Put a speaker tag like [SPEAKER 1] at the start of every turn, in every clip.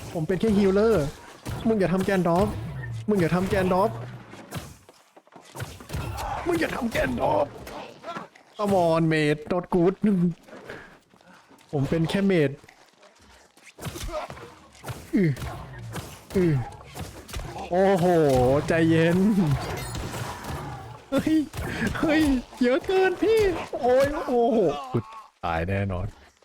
[SPEAKER 1] ผมเป็นแค่ฮีลเลอร์มึงอย่าทำแกนดอฟมึงอย่าทำแกนดอฟมึงอย่าทำแกนดอฟCome on mate not good ผมเป็นแค่เมดอือโอ้โหใจเย็นเฮ้ยเฮ้ยเยอะเกินพี่โอ้ยโอ้โหกูตายแน่นอน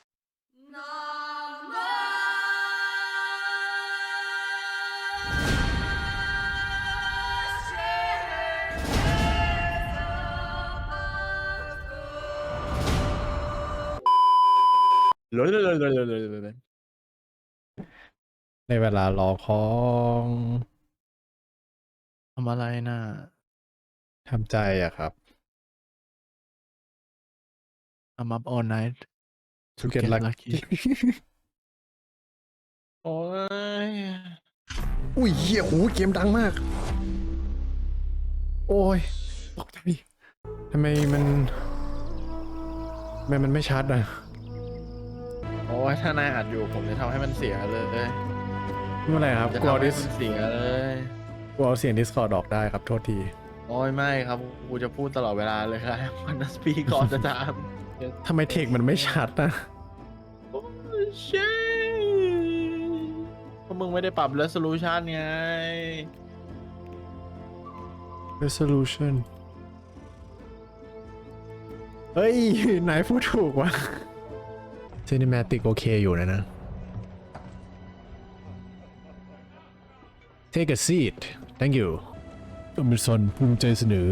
[SPEAKER 1] เลยในเวลารอของทำอะไรน่ะทำใจอะครับ
[SPEAKER 2] I'm up all night
[SPEAKER 1] to get lucky
[SPEAKER 2] โอ้ย
[SPEAKER 1] อุ้ยเหี้ยโหเกมดังมาก โอ้ยตกใจทำไมมันไม่ชัดอ่ะ
[SPEAKER 2] โอ้ยถ้านายอัดอยู่ผมจะทำให้มันเสียเลย
[SPEAKER 1] ไม่เป็นไรครับ
[SPEAKER 2] จะ
[SPEAKER 1] กูเอา
[SPEAKER 2] ทำให้
[SPEAKER 1] ดิส
[SPEAKER 2] มันเสียเลย
[SPEAKER 1] กูเอาเสียง Discord ออกได้ครับ โทษที
[SPEAKER 2] โอ้ยไม่ครับกูจะพูดตลอดเวลาเลยครับวันนัสปีก่อนจะตาม
[SPEAKER 1] ทำไมเทคมันไม่ชัดนะ
[SPEAKER 2] โอ้ยเช่เพราะมึงไม่ได้ปรับ resolution ไง
[SPEAKER 1] resolution เฮ้ยไหนพูดถูกวะ cinematic โอเคอยู่นะ take a seat thank you อเมซอนภูมิใจเสนอ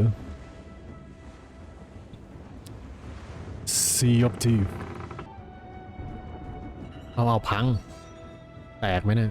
[SPEAKER 1] Sea of Thieves เอาพัง แตกไหมเนี่ย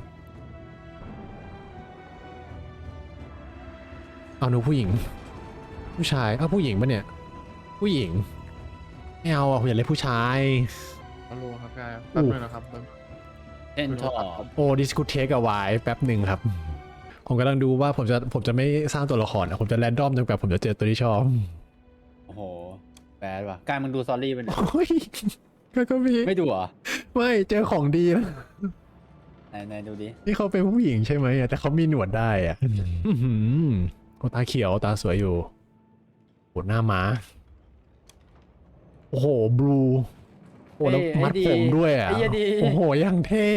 [SPEAKER 1] เอาหนูผู้หญิง ผู้ชายผู้หญิงปะเนี่ย ผู้หญิง ไม่เอาผมอยากเล่นผู้ชาย
[SPEAKER 2] ฮัลโหลครับกายแป๊บนึงนะครับ
[SPEAKER 3] เล่นทอ
[SPEAKER 1] โอ้ดิสคูเทกเอาไว้แป๊บหนึ่งครับ ผมกำลังดูว่าผมจะไม่สร้างตัวละครนะผมจะแรนดอมจนกว่าผมจะเจอตัวที่ชอบ
[SPEAKER 3] โอ้โหแบดว่ะกายมึงดูซอรี่เป็น
[SPEAKER 1] โอ้ยก็มี
[SPEAKER 3] ไม่ดูเหรอ
[SPEAKER 1] ไม่เจอของดีนะ
[SPEAKER 3] ไหนดูดิ
[SPEAKER 1] นี่เขาเป็นผู้หญิงใช่ไหมแต่เขามีหนวดได้อ่ะอื้อหือโอ้ตาเขียวตาสวยอยู่โหหน้าม้าโอ้โหบลูโอ้แล้วมัดผมด้วยอ่ะ
[SPEAKER 3] ไอ้เหี้ยดี
[SPEAKER 1] โอ้โหยังเท่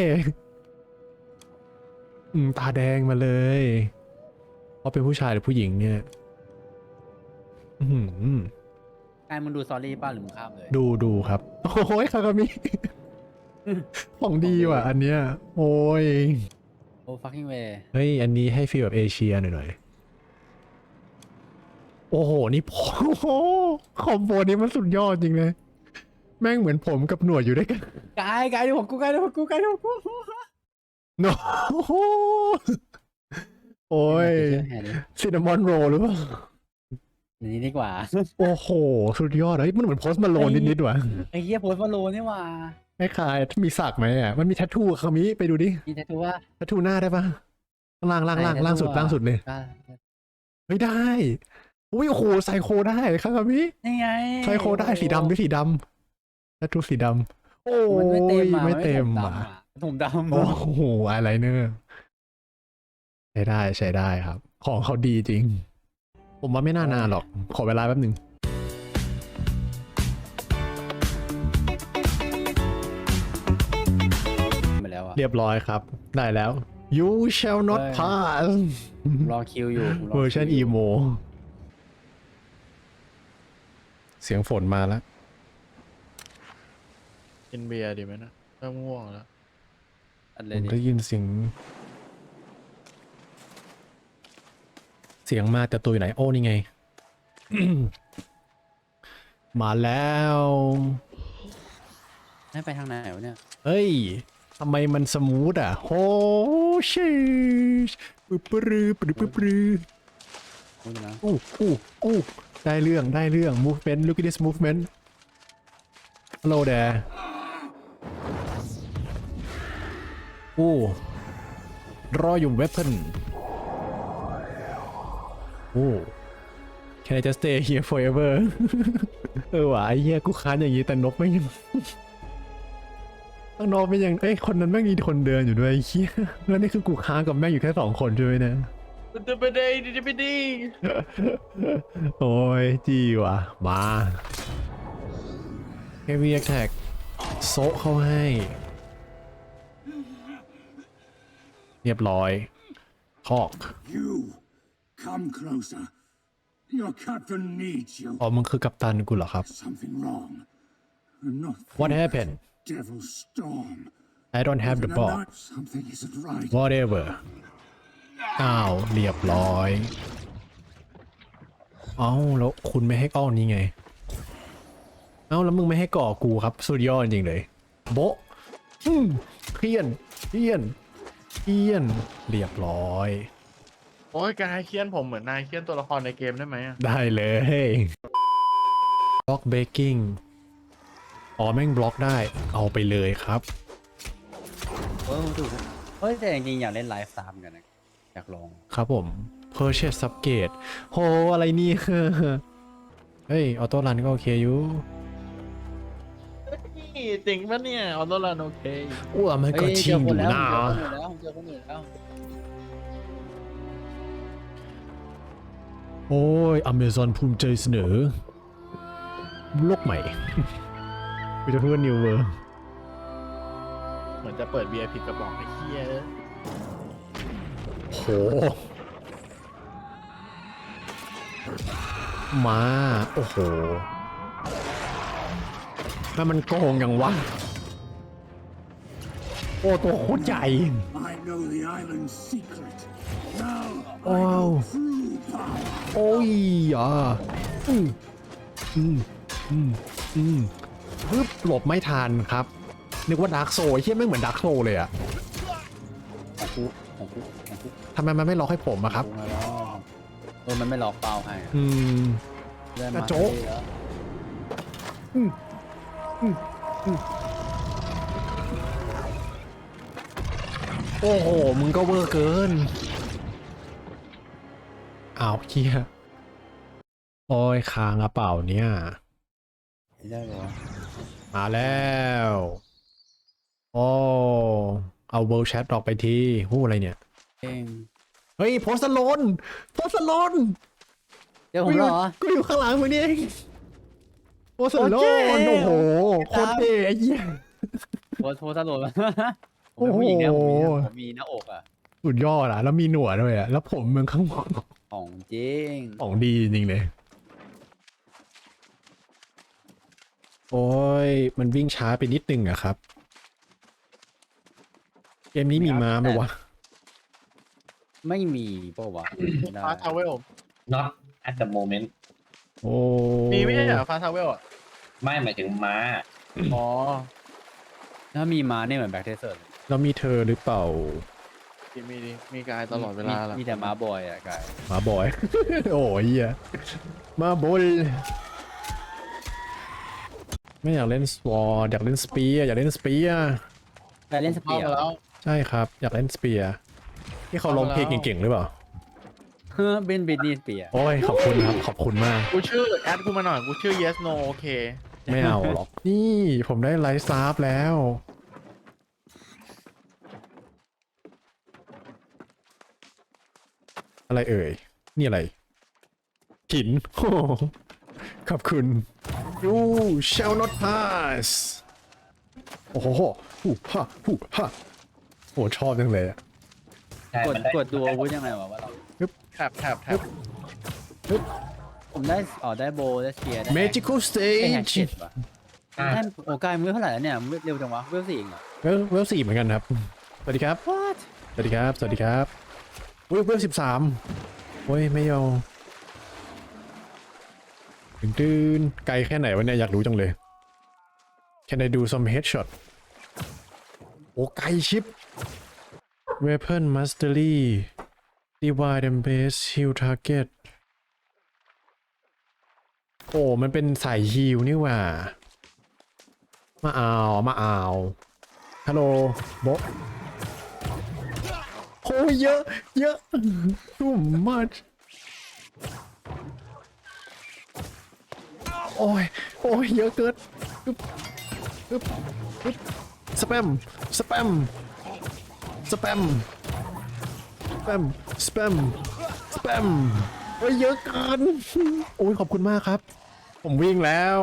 [SPEAKER 1] ตาแดงมาเลยเขาเป็นผู้ชายหรือผู้หญิงเนี่ยอื้อหือก
[SPEAKER 3] ายมึงดูซอรี่ป่ะหรือมึงข้ามเลย
[SPEAKER 1] ดูครับโอ้ยคากามิของดีว่ะอันเนี้ยโอ้ย
[SPEAKER 3] โอ้ fucking way
[SPEAKER 1] เฮ้ยอันนี้ให้ฟีลแบบเอเชียหน่อยโอ้โหนี่โอ้โหคอมโบนี้มันสุดยอดจริงเลยแม่งเหมือนผมกับหนวดอยู่ด้วยกัน
[SPEAKER 3] กายดูของกูกายดูของกูกายดูของกู
[SPEAKER 1] โนโอ้ย
[SPEAKER 3] เชื่อแฮร์ดิ
[SPEAKER 1] ซินนามอนโรลหรือเปล่า
[SPEAKER 3] อันนี้ดีกว่า
[SPEAKER 1] โอ้โหสุดยอดเลยมันเหมือนโพสต์มาโลนนิดๆว่ะ
[SPEAKER 3] ไอ้เหี้ยโพสต์ฟอลโลนี่ว่ะ
[SPEAKER 1] ไม่คล้ายมีสักไหมอ่ะมันมีแทททูคามิไปดูดิ
[SPEAKER 3] มีแททูว่า
[SPEAKER 1] แทททูหน้าได้ปะล่างสุดเลย เฮ้ยได้อุ้ยโอ้โหไซโคได้ครับพี่
[SPEAKER 3] นี่ไง
[SPEAKER 1] ไซโคได้สีดำด้วยสีดำแทททูสีดำโอ้
[SPEAKER 3] มันไม่เต็ม
[SPEAKER 1] ย
[SPEAKER 3] อ่ะ
[SPEAKER 1] ไม่เต็ม
[SPEAKER 3] อ่ะ
[SPEAKER 1] อ่ะ
[SPEAKER 3] ผมดำ
[SPEAKER 1] โอ้โหอะไรเนอร์ใช้ได้ครับ ของเขาดีจริง ผมว่าไม่น่านานหรอก ขอเวลาแป๊บหนึ่ง
[SPEAKER 3] ไปแล้วอ่ะ
[SPEAKER 1] เรียบร้อยครับ ได้แล้ว you shall not
[SPEAKER 3] เฮ้ย
[SPEAKER 1] pass
[SPEAKER 3] รอคิวอยู่
[SPEAKER 1] เวอร์ชันอีโมเสียงฝนมาแล้ว
[SPEAKER 2] กินเบียร์ดีไหมนะเริ่มง่วงแล้ว
[SPEAKER 3] อัน
[SPEAKER 1] ผ
[SPEAKER 3] เลย
[SPEAKER 1] ม
[SPEAKER 3] ดิ
[SPEAKER 1] ได้ยินเสียงมาแต่ตัวอยู่ไหน โอ้นี่ไง มาแล้ว
[SPEAKER 3] ให้ไปทางไหนวะเนี่ย
[SPEAKER 1] เฮ้ย ทำไมมันสมูทอ่ะโอ้ชิชปึ๊บปรือปรือปรือปรือ
[SPEAKER 3] พูดนะ
[SPEAKER 1] อู้ได้เรื่อง movement look at this movement hello there draw your weapon can I just stay here forever ว่ะไอ้เหี้ยกูค้านอย่างนี้แต่นกไม่ยังข้างนอกไม่ยังเอ้ยคนนั้นแม่งมีคนเดินอยู่ด้วยไอ้เหี้ยแล้วนี่คือกูค้างกับแม่งอยู่แค่2 คนใช่ไหมเนี่ย
[SPEAKER 2] มันจะไปได้จะไปดี
[SPEAKER 1] โอ้ยจีว่ะมา Heavy Attack โซะเข้าให้เรียบร้อยทอก
[SPEAKER 4] You, come closer. Your captain needs you.
[SPEAKER 1] อ๋อมึงคือกัปตันกูเหรอครับ
[SPEAKER 4] Something wrong. I'm not.
[SPEAKER 1] What
[SPEAKER 4] thinking
[SPEAKER 1] happened?
[SPEAKER 4] Devil storm.
[SPEAKER 1] I don't have the ball
[SPEAKER 4] Something isn't right.
[SPEAKER 1] whatever อ้าวเรียบร้อยเอ้าแล้วคุณไม่ให้ก้อนนี้ไงเอ้าแล้วมึงไม่ให้ก่อกูครับสุดยอดจริงเลยโบะเพี้ยนเพี้ยนเพี้ยนเรียบร้อย
[SPEAKER 2] โอ้ยกายเคียนผมเหมือนนายเคียนตัวละครในเกมได้ไหมอะ
[SPEAKER 1] ได้เลยบล็อกเบกกิ้งอ๋อแม่งบล็อกได้เอาไปเลยครับ
[SPEAKER 3] ถูกเฮ้ยแต่จริงๆอยากเล่นไลฟ์สตามกันนะอยากลอง
[SPEAKER 1] ครับผม Purchase Subgate โหอะไรนี่ เฮ้ยออโต้รันก็โอเคอยู่
[SPEAKER 2] นี่จริงปะเนี่ยออโต้รันโอเค
[SPEAKER 1] อ้วมันก็
[SPEAKER 3] เฮ้ย
[SPEAKER 1] ชิงอยู่นะ
[SPEAKER 3] เจอคนอื่นแล้ว
[SPEAKER 1] โอ้ย Amazon ภูมิใจเสนอโลกใหม่ กูจะพูดว่า New World
[SPEAKER 2] เหมือนจะเปิดเบียร์ผิดกระบอกไอ้เคีย
[SPEAKER 1] โห มา โอ้โหถ้ามันโกงอย่างวะ โอ้ ตัวโคตรใหญ่
[SPEAKER 4] I know the island's secret. Now I
[SPEAKER 1] Wow.
[SPEAKER 4] know true power.
[SPEAKER 1] โอ้ยอ่ะปึ๊บหลบไม่ทันครับ นึกว่าดาร์กโซเฮียไม่งเหมือนดาร์กโซเลยอะ
[SPEAKER 3] ของคุก
[SPEAKER 1] ทำไมมันไม่ล็อกให้ผมอะครับ
[SPEAKER 3] มาแล้วมันไม่ล็อกเป้าให้อะ เลื่อน
[SPEAKER 1] กระ
[SPEAKER 3] มา
[SPEAKER 1] โจ๊ก
[SPEAKER 3] แล้ว
[SPEAKER 1] โอ้โห มึงก็เวอร์เกิน อ้าวเฮียโอ้ยค้างกระเป๋าเนี่ย
[SPEAKER 3] ไม่ได้เหรอ
[SPEAKER 1] มาแล้ว โอ้ เอาเวิลด์แชทออกไปทีหู้อะไรเนี่ย
[SPEAKER 3] เอง
[SPEAKER 1] เฮ้ย โพสต์โลนโพสต์โลน
[SPEAKER 3] เดี๋ยวผมเหรอ
[SPEAKER 1] กูอยู่ข้างหลังมึงนี่เองโพสต์โล
[SPEAKER 3] โอเคน
[SPEAKER 1] โอ้โหโคตรเท่ไอ้เหี้ย
[SPEAKER 3] โพสตลดผมเป็นผู้หญิงเนี่ยผมมีหน้าอกอ่ะ
[SPEAKER 1] สุดยอดอ่ะ แล้วมีหนวดด้วยอ่ะ แล้วผมมึงข้างบน
[SPEAKER 3] ของจริง
[SPEAKER 1] ของดีจริงๆเลย โอ้ย มันวิ่งช้าไปนิดนึงอะครับ เกมนี้มีม้าไหมวะ
[SPEAKER 3] ไม่มีเปล่าวะไม่ได้
[SPEAKER 2] ฟาทาวเวล
[SPEAKER 5] not at the moment
[SPEAKER 1] โอ้
[SPEAKER 2] มีไม่ใช่เหรอฟาทาวเวลอ่ะ
[SPEAKER 5] ไม่หมายถึงม้า
[SPEAKER 2] อ๋อ
[SPEAKER 3] ถ้ามีมาเนี่ยเหมือนแบ็คเทเซอร์
[SPEAKER 1] แล้วมีเธอหรือเปล่า
[SPEAKER 2] มีกายตลอดเวลาละ
[SPEAKER 3] มีแต่มาบอยอ่ะกาย
[SPEAKER 1] หมาบอย โอ้ยเหี้ยมาบนไม่อยากเล่นสวอร์อยากเล่นสเปียร์อยากเล่นสเปียร์
[SPEAKER 3] กายเล่นสเปี
[SPEAKER 2] เข้าย
[SPEAKER 3] ร์
[SPEAKER 2] มาแล้ว
[SPEAKER 1] ใช่ครับ อยากเล่นสเปียร์ที่เขาร้องเพลงเก่งๆหรือเปล่า
[SPEAKER 3] เฮ้อเป็นบิดนีสเปียร์
[SPEAKER 1] โอ้ย ขอบคุณครับ ขอบคุณมาก
[SPEAKER 2] กูชื่อแอดกูมาหน่อยกูชื่อ yes no โอเค
[SPEAKER 1] ไม่เอาหรอก นี่ผมได้ไลฟ์ซาร์ฟแล้ว อะไรเอ่ย นี่อะไรหิน โอ้โหขอบคุณ You shall not pass โอ้โหฮู้ฮ่าฮู้ฮ่าโอ้ชอบจังเลยอะ
[SPEAKER 5] ใช่
[SPEAKER 3] กด
[SPEAKER 5] มันได้
[SPEAKER 3] กดดูอาวุธยังไงวะว่าเรา
[SPEAKER 2] แท็บ
[SPEAKER 3] ผมได้ได้โบได้เชียร์ได้
[SPEAKER 1] Magical
[SPEAKER 3] ได้แฮก
[SPEAKER 1] Stage
[SPEAKER 3] เก็ตป่ะได้โอ้กายมือเท่าไหร่แล้วเนี่ยเร็วจังวะเวลสี่เองเหรอ
[SPEAKER 1] เวล4เหมือนกันครับ สวัสดีครับ
[SPEAKER 3] What
[SPEAKER 1] สวัสดีครับ สวัสดีครับอุ้ยเวล13โอ้ย ไม่เอาตื่นไกลแค่ไหนวะเนี่ย อยากรู้จังเลย Can I do some headshot โอ้ไกลชิป Weapon Mastery Divide and Base Heal Target โอ้มันเป็นสายฮีลนี่หว่า มาเอาฮัลโหลโบะโอ้ยเยอะ too much โอ้ยเยอะเกินปึ๊บสแปมสแปมสแปมสแปมสแปมสแปมโอ้ยเยอะเกินโอ้ยขอบคุณมากครับ ผมวิ่งแล้ว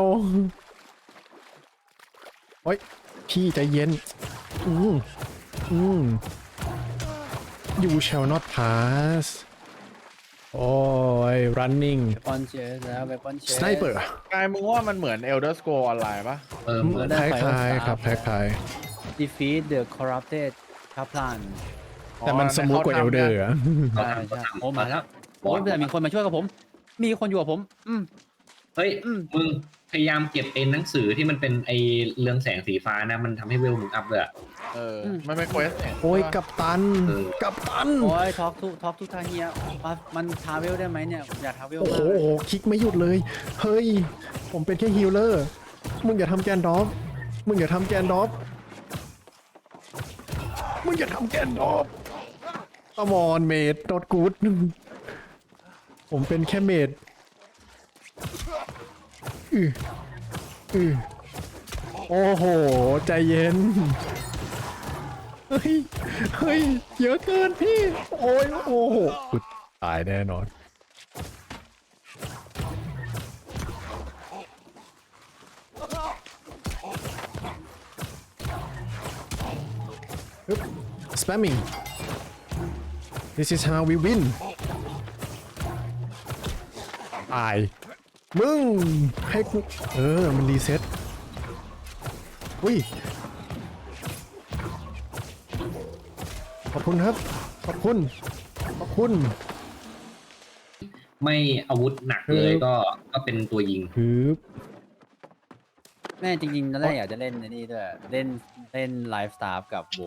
[SPEAKER 1] โอ้ยพี่ใจเย็นอืม you shall not pass โอ้ย running
[SPEAKER 3] เวปอนเชสแล้วเวปอนเชส
[SPEAKER 1] sniper
[SPEAKER 2] กายมึงว่ามันเหมือน Elder Scrolls ออนไลน์ปะ
[SPEAKER 1] คล้ายๆครับคล้าย
[SPEAKER 3] defeat the corrupted kaplan
[SPEAKER 1] ๆแต่มันสมูทกว่าเอลเดอร์อะ
[SPEAKER 3] ใช่ใช่โอ้มาแล้วโอ้ยแต่มีคนมาช่วยกับผม มีคนอยู่กับผม
[SPEAKER 5] เฮ้ยมึงพยายามเก็บไอ้หนังสือที่มันเป็นไอ้เรืองแสงสีฟ้านะมันทำให้เวลมึงอัพเลยอะ
[SPEAKER 2] มันเป็นเควสเนี่ย
[SPEAKER 1] โอ้ยกัปตัน
[SPEAKER 5] เออ
[SPEAKER 1] กัปตัน
[SPEAKER 3] โอ้ยท็อกทุกทางเฮียมันทาเวลได้ไหมเนี่ยผมอยากทาเวล
[SPEAKER 1] โอ้
[SPEAKER 3] มา
[SPEAKER 1] โห
[SPEAKER 3] กเลย
[SPEAKER 1] คลิกไม่หยุดเลย เฮ้ย ผมเป็นแค่ฮีลเลอร์ มึงอย่าทำแกนดอฟมึงอย่าทำแกนดอฟมึงอย่าทำแกนดอฟ Come on mate not good ผมเป็นแค่เมดโอ้โห ใจเย็น เฮ้ย เฮ้ย เยอะเกินพี่ โอ้ย โอ้โหกูตายแน่นอน spamming this is how we win ตาย มึง ให้กูมันรีเซ็ตอุ้ย ขอบคุณครับ ขอบคุณ ขอบคุณ
[SPEAKER 5] ไม่อาวุธหนักเลยก็เป็นตัวยิง
[SPEAKER 1] คือ
[SPEAKER 3] แม่จริงๆตอนแรกอยากจะเล่นในนี่ด้วยเล่นไลฟ์สตาร์กับโบ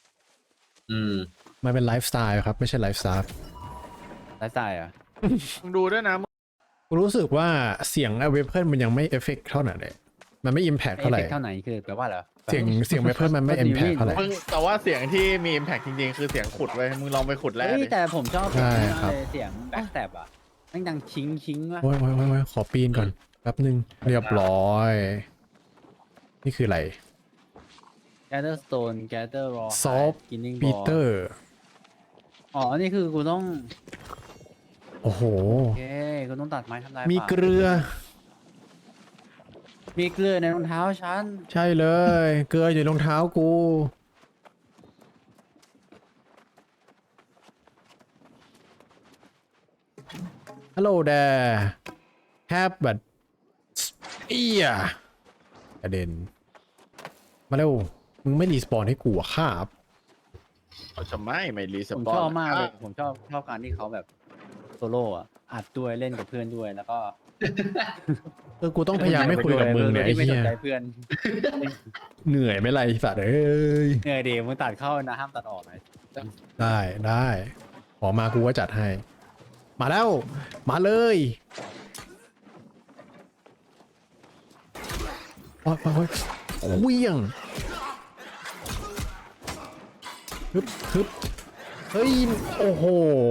[SPEAKER 1] มันเป็นไลฟ์สไตล์ครับ ไม่ใช่ไลฟ์สไตล์
[SPEAKER 3] ไลฟ์สไตล์อ่ะ
[SPEAKER 2] มึงดูด้วยนะ
[SPEAKER 1] กูรู้สึกว่าเสียงเวเพิลมันยังไม่เอฟเฟกต์เท่าไหร่เลยมันไม่อิมแพคเท่าไหร่
[SPEAKER 3] เท่าไหนคือแปลว่าเหรอ
[SPEAKER 1] เสียงเวเพิลมันไม่อิมแพคเท่าไหร่
[SPEAKER 2] มึงแต่ว่าเสียงที่มี impact จริงๆ คือเสียงขุดไว้ยมึงลองไปขุดแร่
[SPEAKER 3] เฮ้ย
[SPEAKER 2] ดิ
[SPEAKER 3] แต่ผมชอบ
[SPEAKER 1] ใช่ครับ
[SPEAKER 3] เสียงแบ็คแท็บอ่ะนั่งดังชิงว่ะ
[SPEAKER 1] โอ้ยขอปีนก่อน แป๊บนึง เรียบร้อย นี่คืออะไร
[SPEAKER 3] Gather Stone Gather Raw
[SPEAKER 1] Salt
[SPEAKER 3] Killing
[SPEAKER 1] ปี
[SPEAKER 3] Ball
[SPEAKER 1] เตอร์
[SPEAKER 3] อ๋อ นี่คือกูต้อง
[SPEAKER 1] โอ้โห
[SPEAKER 3] โอเคกูต้องตัดไม้ทำลาย
[SPEAKER 1] มี
[SPEAKER 3] ป่า
[SPEAKER 1] เกลือ
[SPEAKER 3] มีเกลือในรองเท้าฉัน
[SPEAKER 1] ใช่เลย เกลืออยู่ในรองเท้ากู ฮัลโหลแดแฮปบัดเอียกระเด็น มาเร็ว มึงไม่รีสปอนให้กูอะครับ
[SPEAKER 2] เขาจะไม่รีส
[SPEAKER 3] ผม
[SPEAKER 2] ปอน
[SPEAKER 3] ชอบมากเลย ผมชอบการที่เขาแบบโซโล่อะอัดด้วยเล่นกับเพื่อนด้วยแล้วก็
[SPEAKER 1] กูต้องพยายามไม่คุยกับมึงเนี่ยไอ้
[SPEAKER 3] ไม่
[SPEAKER 1] เหี้
[SPEAKER 3] ส
[SPEAKER 1] ย
[SPEAKER 3] นใจเพื่อน
[SPEAKER 1] เหนื่อยไหม่ไรสัตว์เอ้ย
[SPEAKER 3] เหนื่อยดีมึงตัดเข้านะห้ามตัดออกนะ
[SPEAKER 1] ได้ขอมากูก็จัดให้ มาแล้ว มาเลยโอ้ยเวี่ยงฮึบเฮ้ย โอ้โห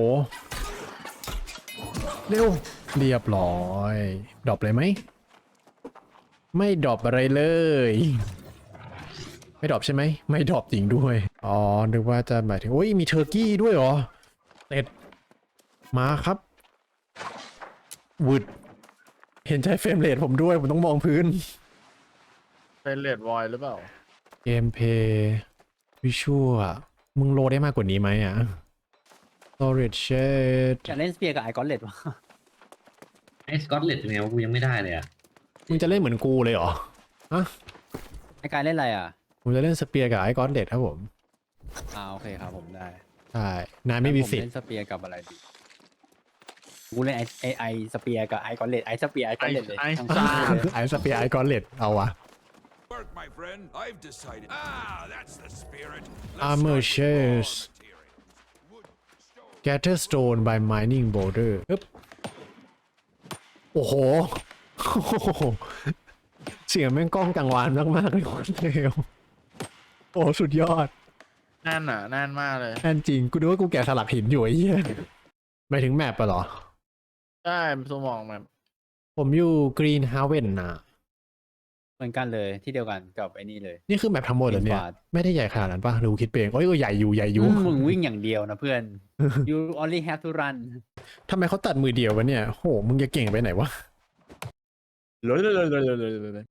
[SPEAKER 1] เร็ว เรียบร้อยดรอปเลยไหม ไม่ดรอปอะไรเลย ไม่ดรอปใช่ไหม ไม่ดรอปจริงด้วย อ๋อ นึกว่าจะหมายถึงโอ้ย มีเทอร์กี้ด้วยเหรอเต็ดมาครับวืดเห็นใจเฟรมเรทผมด้วย ผมต้องมองพื้น
[SPEAKER 2] เป็นเลดวอยหรือเปล่า
[SPEAKER 1] เกมเพย์วิชวลมึงโหลดได้มากกว่านี้ไหมอ่ะ storage shade
[SPEAKER 3] อยากเล่นสเปียร์กับไอคอนเลดวะ
[SPEAKER 5] ไอ้สกอตเลตเป็นไงวะกูยังไม่ได้เลยอะ
[SPEAKER 1] มึงจะเล่นเหมือนกูเลยเหรอ ฮะ
[SPEAKER 3] ไอการเล่นอะไรอ่ะ
[SPEAKER 1] ผมจะเล่นสเปียร์กับไอคอนเด็ดครับผม
[SPEAKER 3] โอเคครับผมได้
[SPEAKER 1] ใช่ นายไม่มี
[SPEAKER 3] ผม
[SPEAKER 1] สิทธิ์
[SPEAKER 3] เล่นสเปียร์กับอะไรดีกูเล่นไอสเปียร์กับไอคอนเลดไอสเปียร์ไอคอนเลดเลย
[SPEAKER 2] ไอ้
[SPEAKER 3] ทั้งคู่เลย
[SPEAKER 1] ไอสเปียร์ไอคอนเด็ดเอาวะ
[SPEAKER 6] Work, my friend. I've decided. That's the spirit.
[SPEAKER 1] Armor shares. Gather stone by mining boulder ปึ๊บโอ้โห เสียงแม่งก้องกังวานมากๆเลยคนเดียวโอ้สุดยอด
[SPEAKER 2] แน่นอ่ะแน่นมากเลย
[SPEAKER 1] แน่นจริง กูดูว่ากูแกะสลักหินอยู่ไอ้เหี้ยหมายถึงแมปปะเหรอ
[SPEAKER 2] ใช่สมองแบบ
[SPEAKER 1] ผมอยู่กรีนฮาเวนนะ
[SPEAKER 3] เหมือนกันเลยที่เดียวกันกับไอ้นี่เลย
[SPEAKER 1] นี่คือแมปทั้งหมดเหรอเนี่ย
[SPEAKER 3] Infinite
[SPEAKER 1] ไม่ได้ใหญ่ขนาดนั้นป่ะหรือกูคิดไปเองโอ้ยใหญ่อยู่ใหญ่อยู่
[SPEAKER 3] มึงวิ่งอย่างเดียวนะเพื่อน you only have to run
[SPEAKER 1] ทำไมเขาตัดมือเดียววะเนี่ยโหมึงจะเก่งไปไหนวะ
[SPEAKER 2] เลย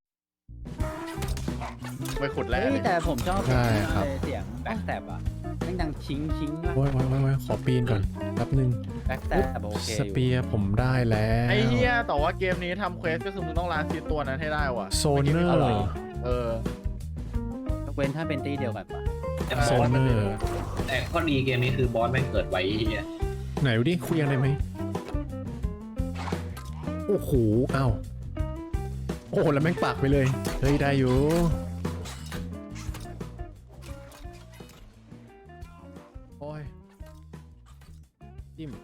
[SPEAKER 2] ไปขุดแร่
[SPEAKER 3] เฮ้ย
[SPEAKER 2] เลย
[SPEAKER 3] แต่ผมชอบ
[SPEAKER 1] ใช่ครับ
[SPEAKER 3] เสียงแบ็กแตบอ่ะแม่งดังชิงชิงมาก
[SPEAKER 1] โอ้ยขอปีนก่อนแป๊บนึง
[SPEAKER 3] แบ็กแตบโอเค
[SPEAKER 1] สเปียร์ผมได้แล้ว
[SPEAKER 2] ไอ้เหี้ยแต่ว่าเกมนี้ทำเควสก็คือมึงต้องล้างซีตัวนั้นให้ได้ว่ะ
[SPEAKER 1] โซเนอร์
[SPEAKER 2] เออ
[SPEAKER 3] ยกเว้นถ้าเป็นตีเดียวกันปะ
[SPEAKER 5] แต่
[SPEAKER 1] โซ
[SPEAKER 5] บอส
[SPEAKER 1] เนอร์
[SPEAKER 5] แต่ข้อดีเกมนี้คือบอสแม่งเกิดไวเนี่ย
[SPEAKER 1] ไหนดูดิคุยยังได้ไหมโอ้โหอ้าวโอ้โหแล้วแม่งปากไปเลยเฮ้ยได้อยู่